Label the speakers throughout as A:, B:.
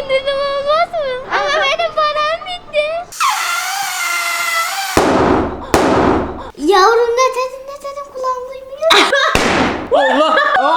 A: indirim olmaz mı? Ama benim param bitti. Yavrum ne dedin kulağım duymuyor.
B: Allah!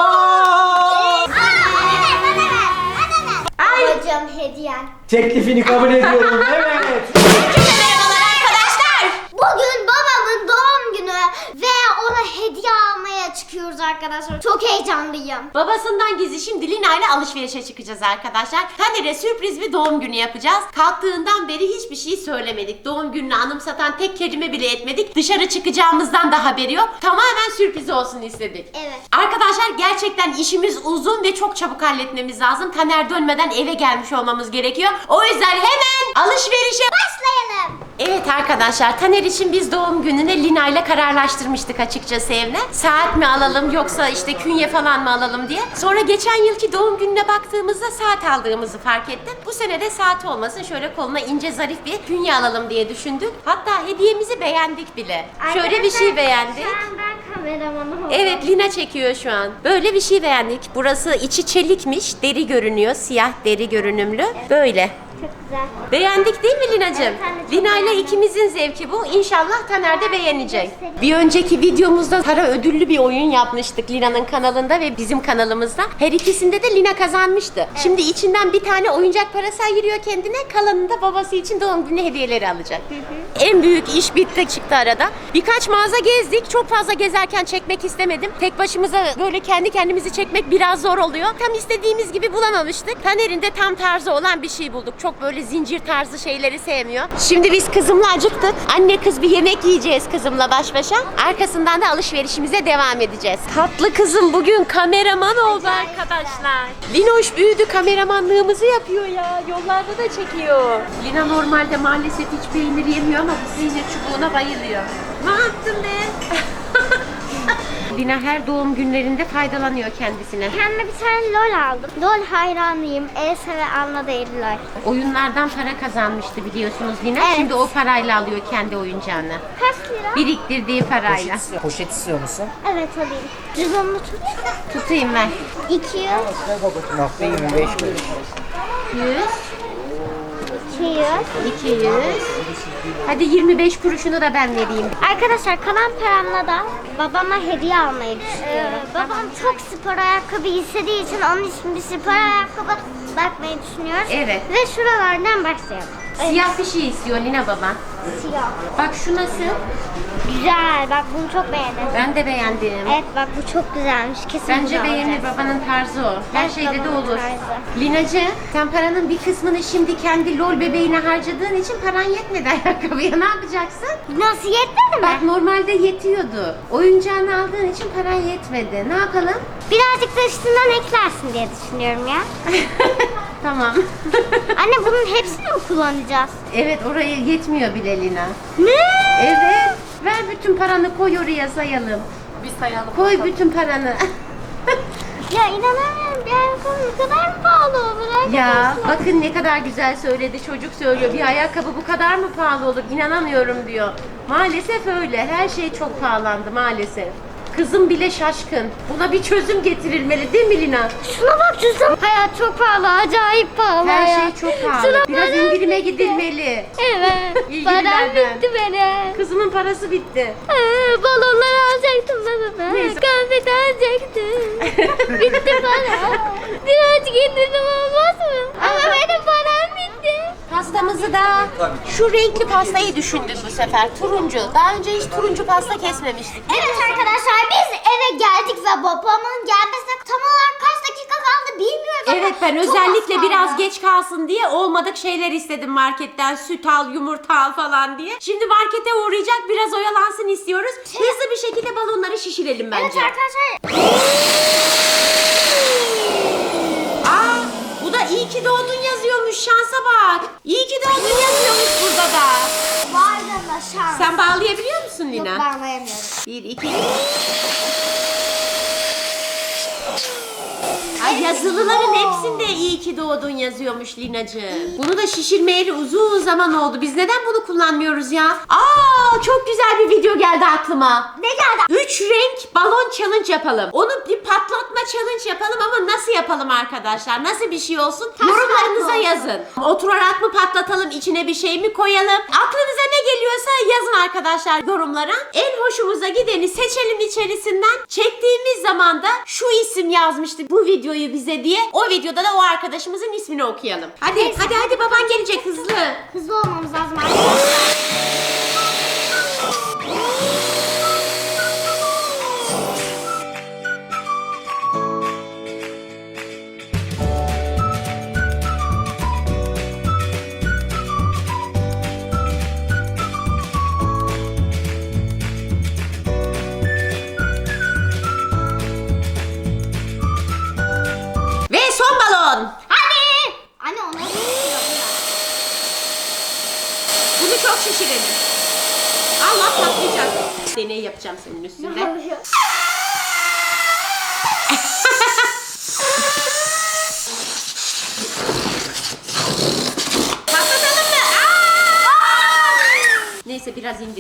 A: Babacığım hediyen.
B: Teklifini kabul ediyorum. Evet.
C: Merhabalar arkadaşlar.
A: Bugün babamın doğum günü ve ona hediye almaya çıkıyoruz arkadaşlar. Çok heyecanlıyım.
C: Babasından gizli şimdi Lina ile alışverişe çıkacağız arkadaşlar. Taner'e sürpriz bir doğum günü yapacağız. Kalktığından beri hiçbir şey söylemedik. Doğum gününü anımsatan tek kelime bile etmedik. Dışarı çıkacağımızdan da haberi yok. Tamamen sürpriz olsun istedik.
A: Evet.
C: Arkadaşlar gerçekten işimiz uzun ve çok çabuk halletmemiz lazım. Taner dönmeden eve gelmiş olmamız gerekiyor. O yüzden hemen alışverişe
A: Başlayalım.
C: Evet arkadaşlar, Taner için biz doğum gününe Lina ile kararlaştırmıştık açıkçası evine. Saat mi alalım yoksa işte künye falan mı alalım diye. Sonra geçen yılki doğum gününe baktığımızda saat aldığımızı fark ettim. Bu sene de saat olmasın, şöyle koluna ince zarif bir künye alalım diye düşündük. Hatta hediyemizi beğendik bile. Şöyle bir şey beğendik.
A: Şu an ben kameramanım oldum.
C: Evet, Lina çekiyor şu an. Böyle bir şey beğendik. Burası içi çelikmiş, deri görünüyor, siyah deri görünümlü. Böyle.
A: Çok güzel.
C: Beğendik değil mi Lina'cığım?
A: Evet, ben de çok
C: Lina ile
A: beğendim.
C: ikimizin zevki bu. İnşallah Taner de beğenecek.
A: Göstereyim.
C: Bir önceki videomuzda para ödüllü bir oyun yapmıştık Lina'nın kanalında ve bizim kanalımızda. Her ikisinde de Lina kazanmıştı. Şimdi içinden bir tane oyuncak parası ayırıyor kendine. Kalanını da babası için doğum günü hediyeleri alacak. En büyük iş bitti çıktı arada. Birkaç mağaza gezdik. Çok fazla gezerken çekmek istemedim. Tek başımıza böyle kendi kendimizi çekmek biraz zor oluyor. Tam istediğimiz gibi bulamamıştık. Taner'in de tam tarzı olan bir şey bulduk. Çok böyle zincir tarzı şeyleri sevmiyor. Şimdi biz kızımla acıktık. Anne kız bir yemek yiyeceğiz kızımla baş başa. Arkasından da alışverişimize devam edeceğiz. Tatlı kızım bugün kameraman oldu arkadaşlar. Linoş büyüdü, kameramanlığımızı yapıyor ya. Yollarda da çekiyor. Lina normalde maalesef hiç peynir yemiyor ama bu peynir çubuğuna bayılıyor. Ne yaptın be? Lina her doğum günlerinde faydalanıyor kendisine.
A: Kendime bir tane LOL aldım. LOL hayranıyım. Elsa ve Anna değil LOL.
C: Oyunlardan para kazanmıştı biliyorsunuz Lina.
A: Evet.
C: Şimdi o parayla alıyor kendi oyuncağını.
A: Kaç lira?
C: Biriktirdiği parayla.
B: Poşet istiyor musun?
A: Evet alayım. Cüzdanını tut.
C: Tutayım ben.
A: 200,
B: Nokta 25 kuruş.
C: 100,
A: 200.
C: 200. Hadi 25 kuruşunu da ben vereyim.
A: Arkadaşlar kalan paramla da babama hediye almayı düşünüyorum. Babam çok spor ayakkabı istediği için onun için bir spor ayakkabı bakmayı düşünüyoruz.
C: Evet.
A: Ve şuralardan başlayalım.
C: Siyah bir şey istiyor Lina baban.
A: Siyah.
C: Bak şu nasıl?
A: Güzel. Bak bunu çok beğendim.
C: Ben de beğendim.
A: Evet bak bu çok güzelmiş. Kesin
C: Bence
A: bunu
C: beğenir,
A: alacağız.
C: babanın tarzı o. Her
A: Evet,
C: şeyde de
A: babanın
C: olur.
A: tarzı.
C: Linacı, sen paranın bir kısmını şimdi kendi LOL bebeğine harcadığın için paran yetmedi ayakkabıya. Ne yapacaksın?
A: Nasıl yetmedi mi?
C: Bak normalde yetiyordu. Oyuncağını aldığın için paran yetmedi. Ne yapalım?
A: Birazcık da üstünden eklersin diye düşünüyorum ya.
C: Tamam.
A: Anne bunun hepsini mi kullanacağız?
C: Evet, oraya yetmiyor bile Lina.
A: Ne?
C: Evet. Ver bütün paranı, koy oraya sayalım.
D: Bir sayalım.
C: Koy bütün paranı.
A: Ya inanamıyorum. Bir ayakkabı ne kadar mı pahalı olur arkadaşlar?
C: Ya bakın ne kadar güzel söyledi, çocuk söylüyor. Bir ayakkabı bu kadar mı pahalı olur? İnanamıyorum diyor. Maalesef öyle. Her şey çok pahalandı maalesef. Kızım bile şaşkın. Buna bir çözüm getirilmeli değil mi Lina?
A: Şuna bak cüzdan. Hayat çok pahalı. Acayip pahalı.
C: Her
A: ya.
C: şey çok pahalı.
A: Şuna
C: Biraz
A: param
C: indirime
A: bitti.
C: gidilmeli.
A: Evet.
C: İyi
A: Param
C: günlerden.
A: bitti benim.
C: Kızımın parası bitti.
A: Balonlar alacaktım ben.
C: Neyse.
A: Konfeti alacaktım. Bitti para. Birazcık indirim olmaz mı? Ama benim param bitti.
C: Pastamızı da şu renkli pastayı düşündük bu sefer. Turuncu. Daha önce hiç turuncu pasta kesmemiştik.
A: Evet arkadaşlar biz eve geldik ve babamın gelmesine tam olarak kaç dakika kaldı bilmiyoruz ama
C: Evet, ben
A: çok
C: özellikle
A: az
C: biraz
A: kaldı.
C: geç kalsın diye olmadık şeyler istedim marketten. Süt al, yumurta al falan diye. Şimdi markete uğrayacak, biraz oyalansın istiyoruz. Hızlı bir şekilde balonları şişirelim bence.
A: Evet arkadaşlar.
C: Aa, bu da iyi ki doğdun yazıyormuş, şansa bak. İyi ki doğdun yazıyormuş burada da.
A: Vay canına şans.
C: Sen bağlayabiliyor musun Lina?
A: Yok bağlayamıyorum.
C: 1, 2. Ay, yazılıların hepsinde iyi ki doğdun yazıyormuş Linacığım. Bunu da şişirmeyeli uzun zaman oldu. Biz neden bunu kullanmıyoruz ya? Aa, çok güzel bir video geldi aklıma.
A: Ne geldi?
C: 3 renk balon challenge yapalım. Onu bir patlatma challenge yapalım ama nasıl yapalım arkadaşlar? Nasıl bir şey olsun? Yorumlarınıza yazın. Oturarak mı patlatalım, içine bir şey mi koyalım? Aklınıza ne geliyorsa yazın arkadaşlar yorumlara. En hoşumuza gideni seçelim içerisinden. Çektiğimiz zaman da şu isim yazmıştı bu videoyu bize diye. O videoda da o arkadaşımızın ismini okuyalım. Hadi baban gelecek hızlı.
A: Hızlı olmamız lazım arkadaşlar.
C: Ve son balon.
A: Hadi! Anne ona vuruyor.
C: Bunu çok şişirelim. Allah patlayacak. Deney yapacağım senin üstünde. Patlatalım mı? Neyse biraz indir.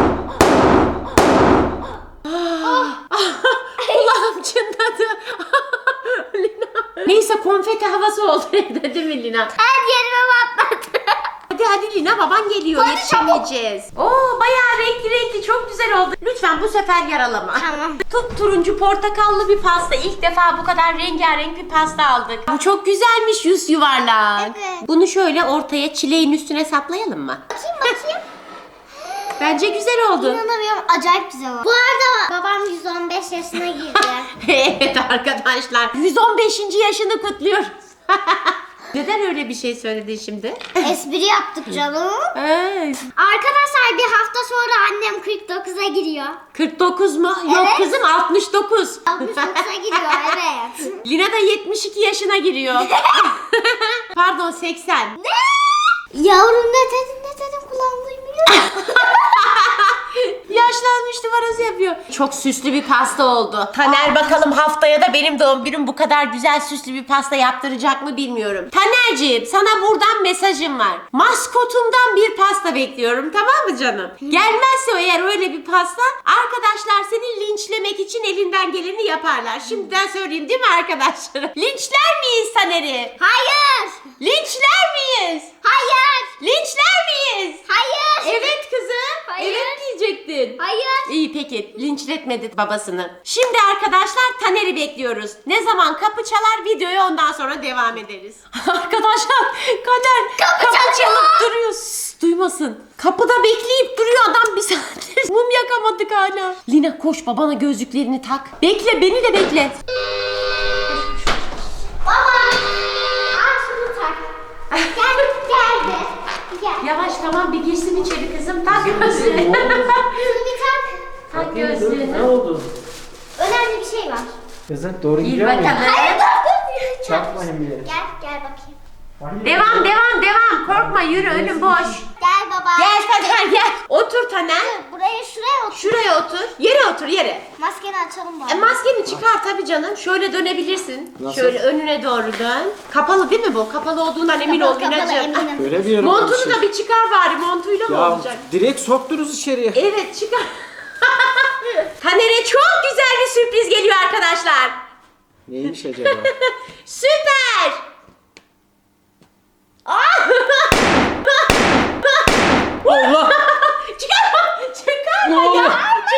C: Kulağım çınladı. Neyse konfeti havası oldu evde değil mi Lina?
A: Her yerime patladı.
C: Hadi Lina baban geliyor,
A: Hadi
C: yetişemeyeceğiz. Oo bayağı renkli çok güzel oldu. Lütfen bu sefer yaralama.
A: Tamam.
C: Turuncu portakallı bir pasta. İlk defa bu kadar rengarenk bir pasta aldık. Bu çok güzelmiş yüz yuvarlak.
A: Evet.
C: Bunu şöyle ortaya çileğin üstüne saplayalım mı?
A: Bakayım.
C: Bence güzel oldu.
A: İnanamıyorum. Acayip güzel oldu. Bu arada babam 115 yaşına girdi.
C: Evet arkadaşlar 115. yaşını kutluyoruz. Neden öyle bir şey söyledin şimdi?
A: Espri yaptık canım.
C: Evet.
A: Arkadaşlar bir hafta sonra annem 49'a giriyor.
C: 49 mu? Yok
A: Evet.
C: kızım 69.
A: 69'a giriyor evet.
C: Lina da 72 yaşına giriyor. Pardon 80.
A: Yavrum ne dedin kulağım duymuyor.
C: Yaşlanmış numarası yapıyor. Çok süslü bir pasta oldu. Taner bakalım haftaya da benim doğum günüm bu kadar güzel süslü bir pasta yaptıracak mı bilmiyorum. Tanerciğim sana buradan mesajım var. Maskotumdan bir pasta bekliyorum tamam mı canım? Gelmezse eğer öyle bir pasta arkadaşlar seni linçlemek için elinden geleni yaparlar. Şimdiden söyleyeyim değil mi arkadaşlar? Linçler miyiz Taner'i?
A: Hayır.
C: Linçler miyiz?
A: Hayır.
C: Linçler miyiz?
A: Hayır.
C: Evet kızım.
A: Hayır.
C: Evet diyecektin.
A: Hayır.
C: İyi peki linçletmedi babasını. Şimdi arkadaşlar Taner'i bekliyoruz. Ne zaman kapı çalar videoya ondan sonra devam ederiz. Arkadaşlar Taner kapı çalıp duruyor. Sus, duymasın. Kapıda bekleyip duruyor adam bir saattir. Mum yakamadık hala. Lina koş babana gözlüklerini tak. Bekle beni de bekle.
A: Baba. Al şunu tak. Geldi. Gel.
C: Yavaş tamam bir girsin içeri kızım. Tak gözlüğünü.
A: Şunu bir tak.
C: Tak
B: Ne
C: gözlüğünü.
B: oldu?
A: Önemli bir şey var.
B: Kızım doğru
C: Gir
B: gidiyor muyum?
C: bakalım.
A: Hayır dur.
B: Çarpmayın bir yere.
A: Gel bakayım.
C: Devam. Korkma yürü önüm boş.
A: Gel baba.
C: Gel Taner gel. Otur Taner.
A: Şuraya otur.
C: Şuraya otur. Yere otur yere.
A: Maskeni açalım baba.
C: Maskeni çıkar tabii canım. Şöyle dönebilirsin.
B: Nasıl?
C: Şöyle önüne doğru dön. Kapalı değil mi bu? Kapalı olduğundan emin ol
A: Kapalı,
C: Lina'cığım.
A: eminim.
B: Göremiyorum.
C: Montunu da bir çıkar bari. Montuyla mı
B: Ya
C: olacak?
B: direkt soktunuz içeriye.
C: Evet çıkar. Taner'e çok güzel bir sürpriz geliyor arkadaşlar.
B: Neymiş acaba?
C: Süper.
B: Allah!
C: Çıkar
B: Ne oldu?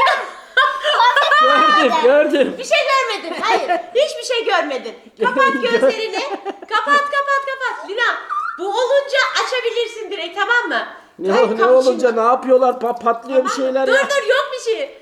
B: Gördüm.
C: Bir şey görmedin. Hayır. Hiçbir şey görmedin. Kapat gözlerini. Kapat. Lina bu olunca açabilirsin direkt tamam mı?
B: Ne,
C: Ay,
B: ne
C: kapı
B: olunca
C: şimdi-
B: ne yapıyorlar? Patlıyor bir şeyler
C: Dur
B: ya.
C: yok bir şey.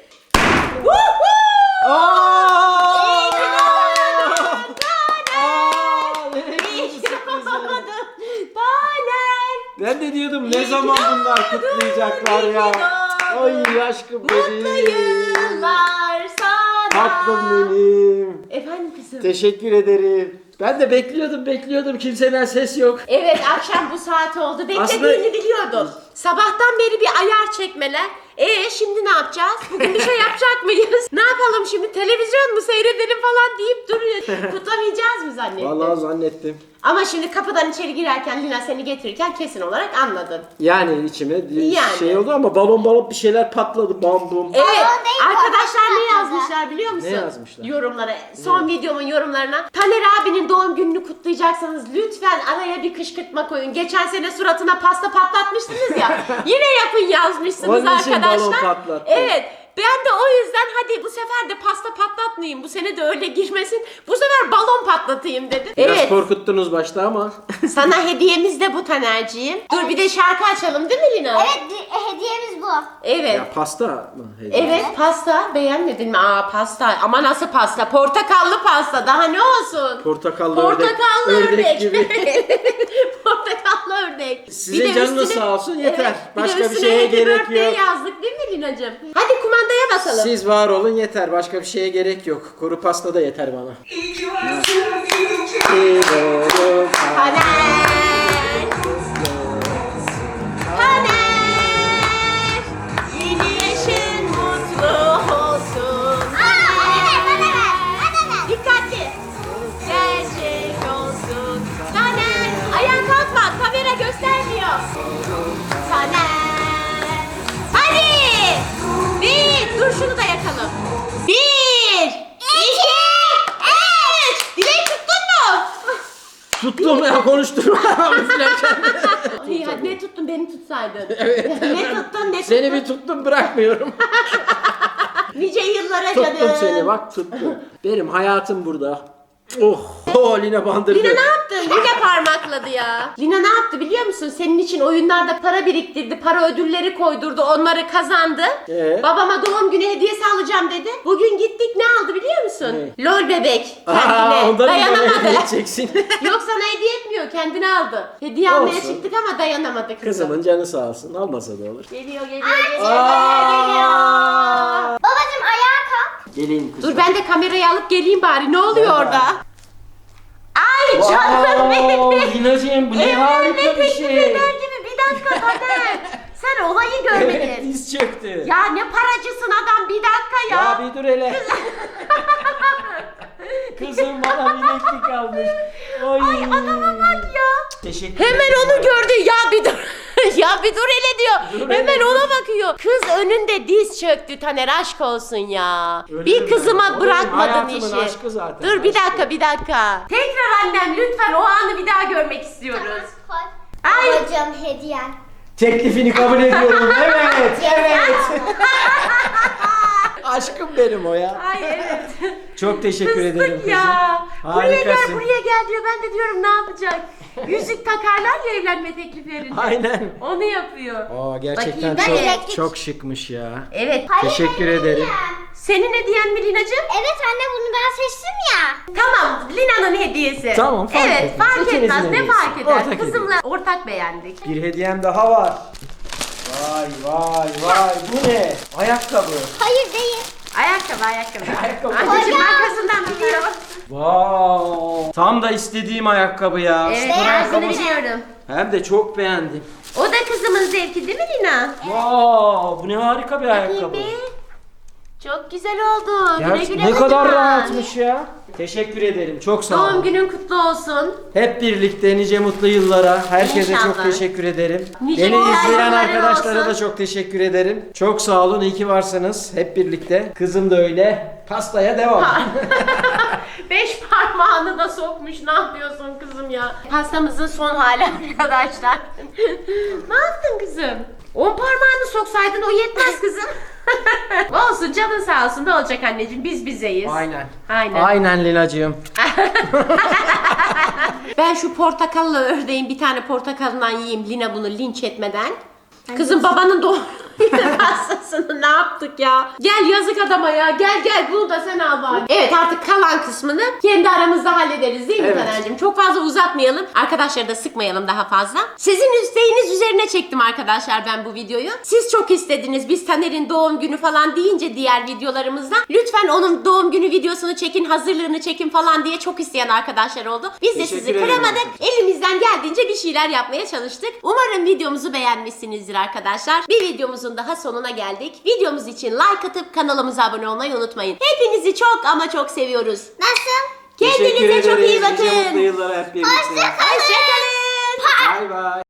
B: Aa!
C: İyi ki doğdun.
B: Aa! Nereye
C: İyi
B: gidiyorsun
C: ki
B: sürprizi?
C: doğdun. Taner.
B: Ben de diyordum ne
C: İyi ki
B: zaman bunlar
C: doğdun,
B: kutlayacaklar
C: iyi ki
B: ya.
C: doğdun.
B: Ay aşkım
C: Mutlu
B: benim.
C: yıllar sana.
B: Tatlım benim.
C: Efendim kızım.
B: Teşekkür ederim. Ben de bekliyordum. Kimseden ses yok.
C: Evet akşam bu saat oldu. Beklediğini
B: Aslında-
C: biliyordum. Sabahtan beri bir ayar çekmeler. Şimdi ne yapacağız? Bugün bir şey yapacak mıyız? Ne yapalım şimdi? Televizyon mu seyredelim falan deyip duruyor. Kutlamayacağız mı zannettin?
B: Vallahi zannettim.
C: Ama şimdi kapıdan içeri girerken Lina seni getirirken kesin olarak anladın.
B: Yani içime
C: Yani.
B: şey oldu ama balon bir şeyler patladı. Bam bum.
C: Evet
A: değil bu,
C: arkadaşlar ne
A: başka
C: yazmışlar yazmışlar biliyor musun?
B: Ne yazmışlar?
C: Yorumlara. Son videomun yorumlarına. Taner abinin doğum gününü kutlayacaksanız lütfen araya bir kışkırtma koyun. Geçen sene suratına pasta patlatmıştınız ya. Yine yapın yazmışsınız
B: Onun için
C: arkadaşlar.
B: balon patlattı.
C: Evet. Ben de o yüzden hadi bu sefer de pasta patlatmayayım. Bu sene de öyle girmesin. Bu sefer balon patlatayım dedim.
B: Biraz
C: Evet.
B: korkuttunuz başta ama.
C: Sana hediyemiz de bu Taner'ciğim. Dur bir de şarkı açalım değil mi Lina?
A: Evet, hediyemiz bu.
C: Evet.
B: Ya pasta mı? Hediye?
C: Evet pasta beğenmedin mi? Aa pasta ama nasıl pasta? Portakallı pasta daha ne olsun?
B: Portakallı
C: Ördek
B: gibi.
C: Portakallı ördek.
B: Sizin canınız sağ olsun, yeter. Başka bir
C: üstüne
B: şeye
C: Happy
B: gerek
C: Birthday
B: yok.
C: yazdık değil mi Lina'cığım? Hadi kumandaya basalım.
B: Siz var olun yeter. Başka bir şeye gerek yok. Kuru pasta da yeter bana.
C: Taner! Taner! Yeni yaşın mutlu olsun. Dikkatli. Gerçek olsun. Taner! Ayağa kalkma. Kamera göstermiyor. Taner! Hadi! Bir! Dur şunu da yakalım. Bir! İki! Üç! Dilek tuttun mu?
B: Tuttum ya, konuşturma.
C: Ay, hadi ne tuttun beni tutsaydın.
B: Evet.
C: Ne tuttun ne
B: Seni
C: tuttun?
B: bir tuttum, bırakmıyorum.
C: Nice yıllara
B: Tuttum
C: canım.
B: seni, bak tuttum. Benim hayatım burada. Oh, oh Lina bandırdı.
C: Lina ne yaptı? Lina parmakladı ya. Lina ne yaptı biliyor musun? Senin için oyunlarda para biriktirdi. Para ödülleri koydurdu. Onları kazandı. Babama doğum günü hediyesi alacağım dedi. Bugün gittik ne aldı biliyor musun? LOL bebek. Kendine.
B: Ondan
C: Dayanamadı.
B: edeceksin.
C: Yok sana hediye etmiyor. Kendine aldı. Hediye almaya
B: Olsun.
C: çıktık ama dayanamadı kızım.
B: Kızımın canı sağ olsun. Almasa da olur.
C: Geliyor geliyor
B: Aa!
A: Babacım ayağa kalk.
B: Gelin kızım.
C: Dur ben de kamerayı alıp geleyim bari. Ne oluyor orada? Ay canım benim.
B: Lina'cığım bu ne harika bir
C: teklif
B: şey.
C: eder gibi. Bir dakika Taner. Sen olayı görmedin.
B: Evet, diz çöktü.
C: Ya ne paracısın adam bir dakika ya.
B: Ya bir dur hele. Kızım bana bileklik almış.
C: Ay adama bak ya.
B: Teşekkür
C: Hemen
B: ederim.
C: onu gördü. Ya bir dur. Ya bir dur hele diyor.
B: Dur
C: Hemen
B: hele.
C: ona bakıyor. Kız önünde diz çöktü Taner aşk olsun ya.
B: Öyle
C: bir
B: mi?
C: kızıma
B: O benim
C: bırakmadın
B: hayatımın
C: işi.
B: aşkı zaten,
C: Dur bir
B: aşkı.
C: dakika bir dakika. Tekrar annem lütfen o anı bir daha görmek istiyoruz. Ay.
A: Babacım hediyen.
B: Teklifini kabul ediyorum. Evet, evet. Aşkım benim o ya.
C: Ay evet.
B: Çok teşekkür ederim
C: Kızdık
B: kızım.
C: ya. Buraya gel
B: Harikasın.
C: buraya gel diyor. Ben de diyorum ne yapacak? Yüzük takarlar ya evlenme tekliflerinde.
B: Aynen.
C: Onu yapıyor.
B: Aa, gerçekten
C: Bakayım, ben
B: çok
A: bileklik-
B: çok şıkmış ya.
C: Evet.
B: Teşekkür ederim.
C: Senin hediyen mi Lina'cığım?
A: Evet anne bunu ben seçtim ya.
C: Tamam, Lina'nın hediyesi.
B: Tamam, fark
C: Evet,
B: etmez.
C: fark
B: İkinizin
C: etmez. Ne
B: hediyesi.
C: fark eder?
B: Ortak
C: Kızımla ortak beğendik.
B: Bir hediyem daha var. Vay vay vay, bu ne? Ayakkabı.
A: Hayır değil.
C: Ayakkabı, ayakkabı.
B: Ayakkabı.
C: Anneciğim arkasından biliyor.
B: Wow. Tam da istediğim ayakkabı ya.
C: Evet,
B: Spor
C: tarzını
B: ayakkabı.
C: biliyorum.
B: Hem de çok beğendim.
C: O da kızımın zevki değil mi Lina?
B: Wow, bu ne harika bir ayakkabı.
C: Bakayım bir. Çok güzel oldu. Güle
B: Gerçi
C: güle
B: ne kadar
C: kullan.
B: rahatmış ya. Teşekkür ederim. Çok sağ olun.
C: Doğum günün kutlu olsun.
B: Hep birlikte nice mutlu yıllara. Herkese
C: İnşallah.
B: çok teşekkür ederim.
C: Nice
B: Beni
C: mutlu
B: izleyen
C: yılların
B: arkadaşlara
C: olsun.
B: da çok teşekkür ederim. Çok sağ olun. İyi ki varsınız. Hep birlikte. Kızım da öyle. Pastaya devam.
C: 5 parmağını da sokmuş. Ne yapıyorsun kızım ya? Pastamızın son hali arkadaşlar. Ne yaptın kızım? 10 parmağını soksaydın o yetmez kızım. Olsun canın sağ olsun. Ne olacak anneciğim? Biz bizeyiz.
B: Aynen.
C: Aynen.
B: Aynen Lina'cığım.
C: Ben şu portakallı ördeğin bir tane portakalından yiyeyim Lina bunu linç etmeden. Kızım babanın doğum günü pastasını ne yaptık ya? Gel yazık adama ya. Gel gel bunu da sen al bari. Evet artık kalan kısmını kendi aramızda hallederiz değil mi
B: Evet.
C: Taner'cim? Çok fazla uzatmayalım. Arkadaşları da sıkmayalım daha fazla. Sizin isteğiniz üzerine çektim arkadaşlar ben bu videoyu. Siz çok istediniz. Biz Taner'in doğum günü falan deyince diğer videolarımızda lütfen onun doğum günü videosunu çekin, hazırlığını çekin falan diye çok isteyen arkadaşlar oldu. Biz de
B: Teşekkür
C: sizi
B: ederim
C: kıramadık.
B: arkadaşlar.
C: Elimizden geldiğince bir şeyler yapmaya çalıştık. Umarım videomuzu beğenmişsinizdir arkadaşlar. Bir videomuzun daha sonuna geldik. Videomuz için like atıp kanalımıza abone olmayı unutmayın. Hepinizi çok ama çok seviyoruz.
A: Nasıl?
C: Kendinize çok iyi
B: Nice mutlu
C: bakın.
B: yıllara hep birlikte.
C: Hoşçakalın.
B: Bay bay.